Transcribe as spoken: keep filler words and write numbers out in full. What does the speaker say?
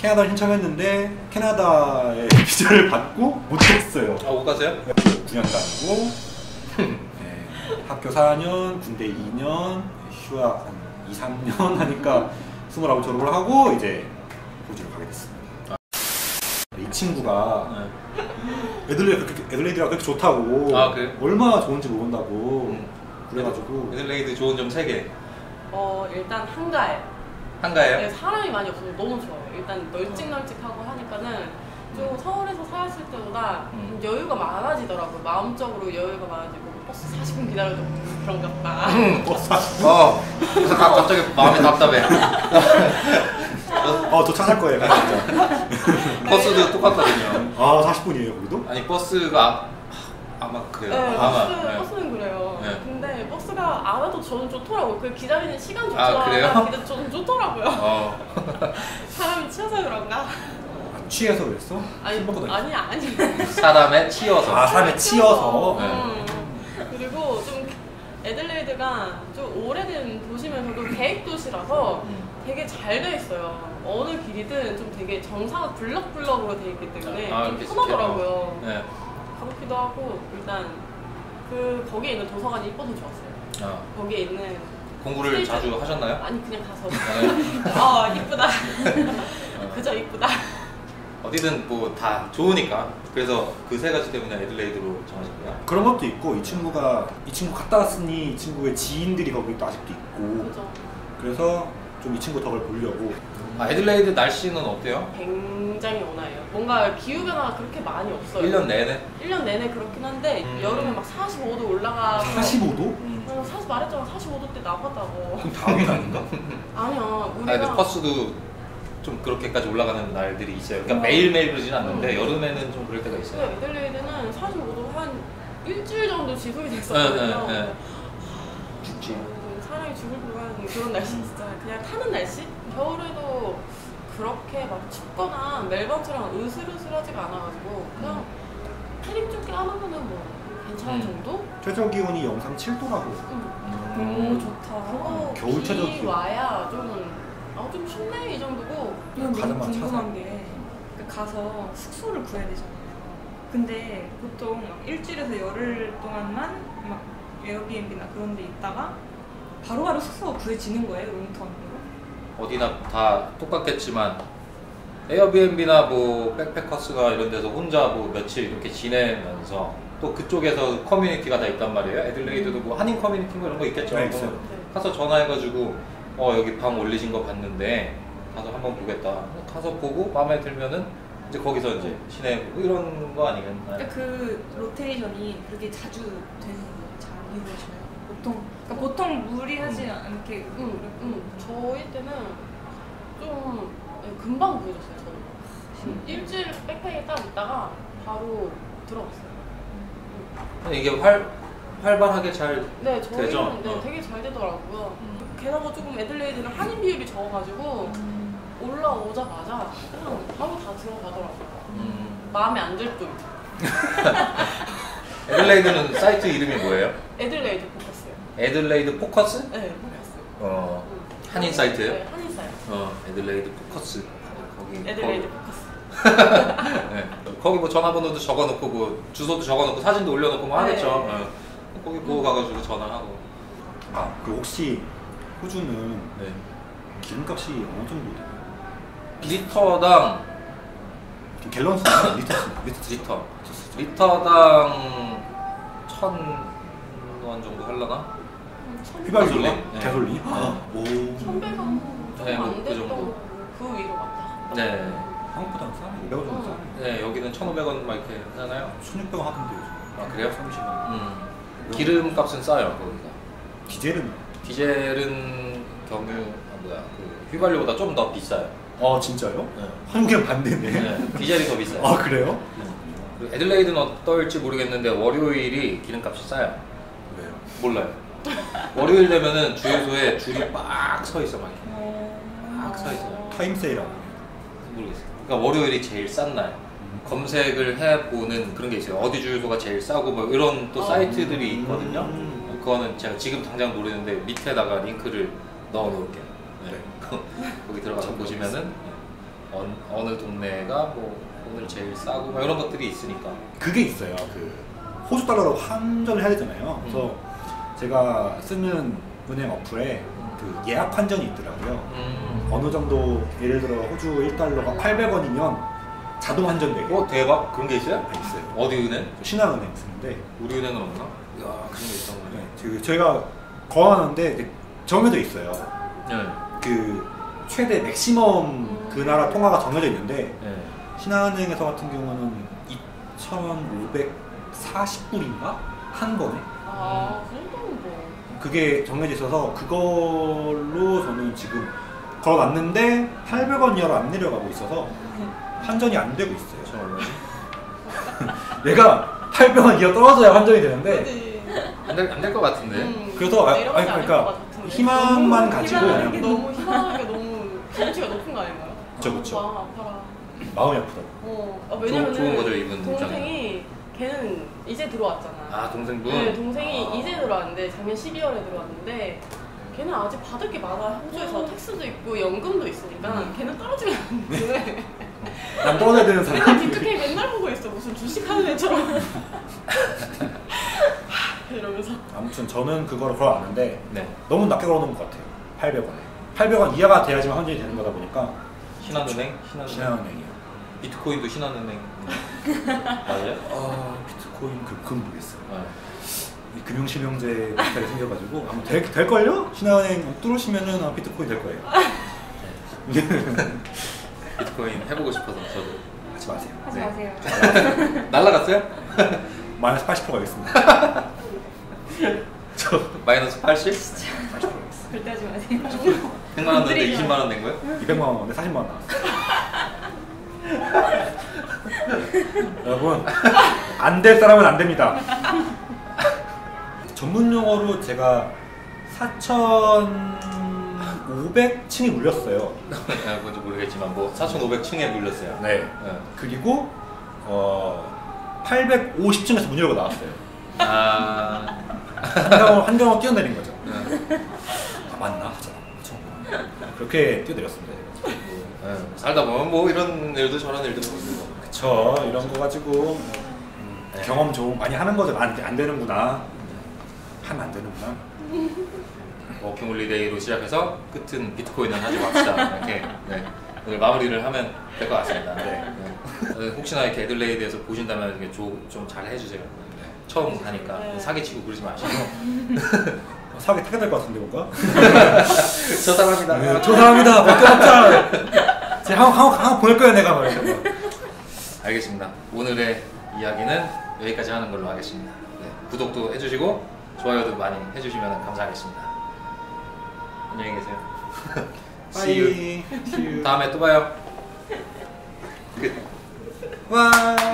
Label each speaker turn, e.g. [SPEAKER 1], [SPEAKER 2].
[SPEAKER 1] 캐나다를 신청했는데 캐나다의 비자를 받고 못했어요.
[SPEAKER 2] 아, 못 갔어요?
[SPEAKER 1] 구 년 다니고 네, 학교 사 년, 군대 이 년, 휴학 한 이, 삼 년 하니까 스물아홉 졸업을 하고 이제 호주를 가게 됐습니다. 아. 이 친구가 네. 애들레이드, 애들레이드가 그렇게 좋다고
[SPEAKER 2] 아, 그래?
[SPEAKER 1] 얼마나 좋은지 모른다고
[SPEAKER 2] 음.
[SPEAKER 1] 그래가지고
[SPEAKER 2] 애들레이드 좋은 점 세 개.
[SPEAKER 3] 어 일단 한가해.
[SPEAKER 2] 한가해요?
[SPEAKER 3] 네, 사람이 많이 없어서 너무 좋아요. 일단 널찍널찍하고 하니까는 좀 서울에서 살았을 때보다
[SPEAKER 2] 음.
[SPEAKER 3] 여유가 많아지더라고요. 마음적으로 여유가 많아지고 버스 사십 분 기다려도 그런가 보다.
[SPEAKER 1] 버스 사십 분?
[SPEAKER 2] 어, 그래서 갑자기 마음이 답답해.
[SPEAKER 1] 어, 도착할 거예요. 진짜.
[SPEAKER 2] 버스도 똑같거든요.
[SPEAKER 1] 아, 사십 분이에요, 거기도?
[SPEAKER 2] 아니, 버스가 아마 그래요.
[SPEAKER 3] 네,
[SPEAKER 2] 아마.
[SPEAKER 3] 버스,
[SPEAKER 2] 네.
[SPEAKER 3] 버스는 그래요.
[SPEAKER 2] 네.
[SPEAKER 3] 근데 버스가 알아도 저는 좋더라고요. 그 기다리는 시간 좋더라.
[SPEAKER 2] 아, 그래요?
[SPEAKER 3] 근데 저는 좋더라고요.
[SPEAKER 2] 어.
[SPEAKER 3] 사람이 치여서 그런가?
[SPEAKER 1] 아, 취해서 그랬어?
[SPEAKER 3] 아니, 아니, 아니.
[SPEAKER 2] 사람에 치여서.
[SPEAKER 1] 아, 사람에 치여서?
[SPEAKER 2] 네.
[SPEAKER 3] 음. 그리고 좀 애들레이드가 좀 오래된 도시면서도 계획 도시라서
[SPEAKER 2] 음.
[SPEAKER 3] 되게 잘 돼 있어요. 어느 길이든 좀 되게 정사가 블럭블럭으로 돼 있기 때문에
[SPEAKER 2] 아,
[SPEAKER 3] 좀
[SPEAKER 2] 이렇게
[SPEAKER 3] 편하더라고요.
[SPEAKER 2] 네.
[SPEAKER 3] 가볍기도 하고 일단 그 거기에 있는 도서관이 이뻐서 좋았어요.
[SPEAKER 2] 어.
[SPEAKER 3] 거기에 있는
[SPEAKER 2] 공부를
[SPEAKER 3] 스테이지...
[SPEAKER 2] 자주 하셨나요?
[SPEAKER 3] 아니 그냥 가서
[SPEAKER 2] 네.
[SPEAKER 3] 아 이쁘다. 그저 이쁘다.
[SPEAKER 2] 어디든 뭐 다 좋으니까. 그래서 그 세 가지 때문에 애들레이드로 정하신 거야?
[SPEAKER 1] 그런 것도 있고 이 친구가 이 친구 갔다 왔으니 이 친구의 지인들이 거기 또 아직도 있고
[SPEAKER 3] 그죠.
[SPEAKER 1] 그래서 좀 이 친구 덕을 보려고.
[SPEAKER 2] 아, 애들레이드 날씨는 어때요?
[SPEAKER 3] 굉장히 온화해요. 뭔가 기후변화가 그렇게 많이 없어요.
[SPEAKER 2] 일 년 내내?
[SPEAKER 3] 일 년 내내 그렇긴 한데
[SPEAKER 2] 음.
[SPEAKER 3] 여름에 막 사십오 도 올라가서
[SPEAKER 1] 사십오 도?
[SPEAKER 2] 음.
[SPEAKER 3] 어, 사실 말했잖아. 사십오 도 때 나갔다고.
[SPEAKER 1] 그럼 다음 달인가?
[SPEAKER 3] 아니야.
[SPEAKER 2] 아,
[SPEAKER 3] 우리가
[SPEAKER 2] 근데 퍼스도 좀 그렇게까지 올라가는 날들이 있어요. 그러니까
[SPEAKER 3] 음.
[SPEAKER 2] 매일매일 그러진 않는데
[SPEAKER 3] 음.
[SPEAKER 2] 여름에는 좀 그럴 때가 있어요.
[SPEAKER 3] 애들레이드는 사십오 도 한 일주일 정도 지속이 됐었거든요.
[SPEAKER 2] 네, 네, 네. 죽지.
[SPEAKER 3] 음, 사람이 죽을 뻔한 그런 날씨 진짜 그냥 타는 날씨? 겨울에도 그렇게 막 춥거나 멜번처럼 으슬으슬하지가 않아가지고 그냥 패딩 좀 껴안으면은 뭐 괜찮은
[SPEAKER 2] 음.
[SPEAKER 3] 정도?
[SPEAKER 1] 최저 기온이 영상 칠 도라고.
[SPEAKER 3] 응.
[SPEAKER 2] 음.
[SPEAKER 3] 오 좋다. 그거
[SPEAKER 1] 겨울 최저
[SPEAKER 3] 비
[SPEAKER 1] 기온.
[SPEAKER 3] 와야 좀, 아, 좀 춥네 이 정도고.
[SPEAKER 4] 이건 너무
[SPEAKER 1] 가자마자
[SPEAKER 4] 궁금한
[SPEAKER 1] 찾아.
[SPEAKER 4] 게 가서 숙소를 구해야 되잖아요. 근데 보통 막 일주일에서 열흘 동안만 막 에어비앤비나 그런 데 있다가 바로바로 숙소가 구해지는 거예요, 롱텀으로?
[SPEAKER 2] 어디나 다 똑같겠지만 에어비앤비나 뭐 백패커스가 이런 데서 혼자 뭐 며칠 이렇게 지내면서 또 그쪽에서 커뮤니티가 다 있단 말이에요. 애들레이드도 뭐 한인 커뮤니티 뭐 이런 거 있겠죠.
[SPEAKER 1] 네, 있어요.
[SPEAKER 3] 네.
[SPEAKER 2] 가서 전화해가지고 어 여기 방 올리신 거 봤는데 가서 한번 보겠다. 가서 보고 마음에 들면은 이제 거기서 이제 지내고 이런 거 아니겠나요?
[SPEAKER 4] 그러니까 그 로테이션이 그렇게 자주 되는 거예요? 잘 이루어지나요? 보통 그러니까 보통 무리하지 않게
[SPEAKER 3] 응, 응. 저희 때는 좀 네, 금방 구해줬어요. 저는
[SPEAKER 2] 음.
[SPEAKER 3] 일주일 백팩에 딱 있다가 바로 들어갔어요.
[SPEAKER 2] 이게 활 활발하게 잘
[SPEAKER 3] 네, 저희는
[SPEAKER 2] 되죠?
[SPEAKER 3] 네,
[SPEAKER 2] 어.
[SPEAKER 3] 되게 잘 되더라고요.
[SPEAKER 2] 음.
[SPEAKER 3] 게다가 조금 애들레이드는 한인 비율이 적어가지고 올라오자마자 그냥 바로 다 들어가더라고요.
[SPEAKER 2] 음.
[SPEAKER 3] 마음에 안 들 뿐.
[SPEAKER 2] 애들레이드는 사이트 이름이 뭐예요?
[SPEAKER 3] 애들레이드 포커스요.
[SPEAKER 2] 애들레이드 포커스?
[SPEAKER 3] 네, 포커스.
[SPEAKER 2] 어
[SPEAKER 3] 응.
[SPEAKER 2] 한인 사이트예요?
[SPEAKER 3] 네, 한인 사이트.
[SPEAKER 2] 어 애들레이드 포커스 거기
[SPEAKER 3] 애들레이드
[SPEAKER 2] 거기,
[SPEAKER 3] 포커스.
[SPEAKER 2] 네. 거기 뭐 전화번호도 적어놓고 뭐 주소도 적어놓고 사진도 올려놓고 뭐 하겠죠.
[SPEAKER 3] 네.
[SPEAKER 2] 어. 거기 보고 가가지고 전화하고.
[SPEAKER 1] 아, 그 혹시 호주는
[SPEAKER 2] 네.
[SPEAKER 1] 기름값이 어느 정도 돼요?
[SPEAKER 2] 리터당
[SPEAKER 1] 갤런 수나 리터 수? 리터 수?
[SPEAKER 2] 리터 리터당 천 원 정도 할라나?
[SPEAKER 1] 휘발유가?
[SPEAKER 2] 가솔린. 네.
[SPEAKER 1] 가솔린?
[SPEAKER 2] 어.
[SPEAKER 1] 오.
[SPEAKER 3] 천백 원
[SPEAKER 2] 네,
[SPEAKER 3] 조금
[SPEAKER 2] 뭐
[SPEAKER 3] 안
[SPEAKER 2] 그
[SPEAKER 3] 됐던
[SPEAKER 2] 정도.
[SPEAKER 3] 그 위로 갔다.
[SPEAKER 2] 네.
[SPEAKER 1] 한국보다는 싸네. 오백 원 정도 싸네.
[SPEAKER 2] 네 여기는 천오백 원 막 이렇게 하잖아요.
[SPEAKER 1] 천육백 원 하던데 요즘.
[SPEAKER 2] 아 그래요?
[SPEAKER 1] 삼십 원.
[SPEAKER 2] 음. 기름값은 싸요 거기가.
[SPEAKER 1] 디젤은?
[SPEAKER 2] 디젤은 경유 아, 뭐야 그 휘발유보다 좀 더 비싸요.
[SPEAKER 1] 아 진짜요?
[SPEAKER 2] 네.
[SPEAKER 1] 한국이랑 반대네.
[SPEAKER 2] 네, 디젤이 더 비싸요.
[SPEAKER 1] 아 그래요?
[SPEAKER 2] 그리고 애들레이드는 어떨지 모르겠는데 월요일이 기름값이 싸요.
[SPEAKER 1] 왜요?
[SPEAKER 2] 몰라요. 월요일 되면은 주유소에 줄이 빡 서 있어 막 이렇게. 빡 서 있어요.
[SPEAKER 1] 타임 세일하고.
[SPEAKER 2] 모르겠어요. 그러니까 월요일이 제일 싼 날. 검색을 해보는 그런 게 있어요. 어디 주유소가 제일 싸고 뭐 이런 또
[SPEAKER 3] 아,
[SPEAKER 2] 사이트들이 있거든요.
[SPEAKER 1] 음.
[SPEAKER 2] 그거는 제가 지금 당장 모르는데 밑에다가 링크를 넣어 놓을게요. 네. 거기 들어가서 보시면은 어, 어느 동네가 뭐 오늘 제일 싸고 뭐 이런 것들이 있으니까.
[SPEAKER 1] 그게 있어요. 그 호주 달러로 환전을 해야 되잖아요. 그래서
[SPEAKER 2] 음.
[SPEAKER 1] 제가 쓰는 은행 어플에 그 예약 환전이 있더라고요.
[SPEAKER 2] 음.
[SPEAKER 1] 어느 정도 예를 들어 호주 일 달러가 팔백 원이면 자동 환전되게
[SPEAKER 2] 어 대박 그런 게 있어요?
[SPEAKER 1] 있어요.
[SPEAKER 2] 어디 은행?
[SPEAKER 1] 신한은행 쓰는데
[SPEAKER 2] 우리 은행은 없나? 야 그런 게 있던 거네.
[SPEAKER 1] 네, 그 저희가 거하는데 이제 정해져 있어요.
[SPEAKER 2] 네.
[SPEAKER 1] 그 최대 맥시멈 그 나라 통화가 정해져 있는데
[SPEAKER 2] 네.
[SPEAKER 1] 신한은행에서 같은 경우는 이천오백사십 불인가? 한 번에?
[SPEAKER 3] 아, 그 정도는 뭐.
[SPEAKER 1] 그게 정해져 있어서 그걸로 저는 지금 걸어놨는데 팔백 원 이하로 안 내려가고 있어서 환전이 안 되고 있어요.
[SPEAKER 2] 저 얼마지?
[SPEAKER 1] 얘가 팔백 원 이하 떨어져야 환전이 되는데
[SPEAKER 3] 그지.
[SPEAKER 2] 안될 것 같은데.
[SPEAKER 3] 음,
[SPEAKER 1] 그래서 아,
[SPEAKER 3] 내려가지
[SPEAKER 1] 아니,
[SPEAKER 3] 않을
[SPEAKER 1] 그러니까
[SPEAKER 3] 것 같은데.
[SPEAKER 1] 희망만
[SPEAKER 3] 너무
[SPEAKER 1] 가지고
[SPEAKER 3] 희망하게
[SPEAKER 1] 그냥
[SPEAKER 3] 너무 희망하게 너무 기대치가 높은 거 아닌가요?
[SPEAKER 1] 그쵸, 그쵸.
[SPEAKER 3] 마음 아파라.
[SPEAKER 1] 마음이 아프다.
[SPEAKER 3] 어, 아, 왜냐면은
[SPEAKER 2] 좋은 거죠, 이분
[SPEAKER 3] 동생이 걔는 이제 들어왔잖아.
[SPEAKER 2] 아 동생분?
[SPEAKER 3] 네, 동생이
[SPEAKER 2] 아.
[SPEAKER 3] 이제 들어왔는데 작년 십이월에 들어왔는데 걔는 아직 받을 게 많아. 호주에서 텍스도 있고 연금도 있으니까
[SPEAKER 2] 음.
[SPEAKER 3] 걔는 떨어지면 안 돼.
[SPEAKER 1] 난 떨어져야 되는
[SPEAKER 3] 내가
[SPEAKER 1] 사람.
[SPEAKER 3] 뒤쪽에 맨날 보고 있어. 무슨 주식하는 애처럼. 이러면서.
[SPEAKER 1] 아무튼 저는 그거를 걸어놨는데
[SPEAKER 2] 네.
[SPEAKER 1] 너무 낮게 걸어놓은 것 같아요. 팔백 원에. 팔백 원 이하가 돼야지만 환전이 되는 거다 보니까
[SPEAKER 2] 신한은행? 신한은행?
[SPEAKER 1] 신한은행이요.
[SPEAKER 2] 비트코인도 신한은행 맞아요?
[SPEAKER 1] 아 비트코인 그 그건 모르겠어요.
[SPEAKER 2] 네.
[SPEAKER 1] 이 금융실명제 비슷하게 생겨가지고 아마 될, 될걸요? 신한은행 뚫으시면은 아마 비트코인 될 거예요.
[SPEAKER 2] 비트코인 해보고 싶어서 저도.
[SPEAKER 1] 하지 마세요.
[SPEAKER 4] 하지
[SPEAKER 2] 네.
[SPEAKER 4] 마세요.
[SPEAKER 2] 날라갔어요?
[SPEAKER 1] 마이너스 팔십 퍼센트 가겠습니다. 저
[SPEAKER 2] 마이너스 팔십?
[SPEAKER 1] 팔십 퍼센트 가겠습니다.
[SPEAKER 4] 절대 하지 마세요.
[SPEAKER 2] 백만 원 냈는데 이십만 원 낸 거예요?
[SPEAKER 1] 이백만 원에 사십만 원 나왔어요. 여러분 안 될 사람은 안 됩니다. 전문 용어로 제가 사천오백 층이 물렸어요.
[SPEAKER 2] 아, 뭔지 모르겠지만 뭐 사천오백 층에 물렸어요.
[SPEAKER 1] 네.
[SPEAKER 2] 네.
[SPEAKER 1] 그리고 어 팔백오십 층에서 문 열고 나왔어요.
[SPEAKER 2] 아,
[SPEAKER 1] 한강을 한강을 뛰어내린 거죠.
[SPEAKER 2] 네.
[SPEAKER 1] 아, 맞나? 하자. 그렇게 뛰어내렸습니다. 제가.
[SPEAKER 2] 네. 살다 보면 뭐 이런 일도 저런 일도 보이는 거.
[SPEAKER 1] 그쵸. 이런 거 가지고 음,
[SPEAKER 2] 네.
[SPEAKER 1] 경험 좀 많이 하는 거죠. 안, 안 되는구나. 하면 안 되는구나.
[SPEAKER 2] 워킹홀리데이로 시작해서 끝은 비트코인은 하지 맙시다. 이렇게 네. 오늘 마무리를 하면 될 것 같습니다.
[SPEAKER 1] 네.
[SPEAKER 2] 네. 혹시나 이렇게 애들레이드에서 보신다면 이렇게 좀 잘 해주세요. 처음 가니까
[SPEAKER 3] 네.
[SPEAKER 2] 사기치고 그러지 마시고.
[SPEAKER 1] 사기 타게 될 것 같은데 뭔가?
[SPEAKER 2] 저 사람이다.
[SPEAKER 1] 네, 저 사람이다. 밖에 없자. 제가 한번 한번 한번 보낼 거야 내가 말이야.
[SPEAKER 2] 알겠습니다. 오늘의 이야기는 여기까지 하는 걸로 하겠습니다. 네. 구독도 해주시고 좋아요도 많이 해주시면 감사하겠습니다. 안녕히 계세요. See you.
[SPEAKER 1] See you.
[SPEAKER 2] 다음에 또 봐요. 끝.
[SPEAKER 1] 와.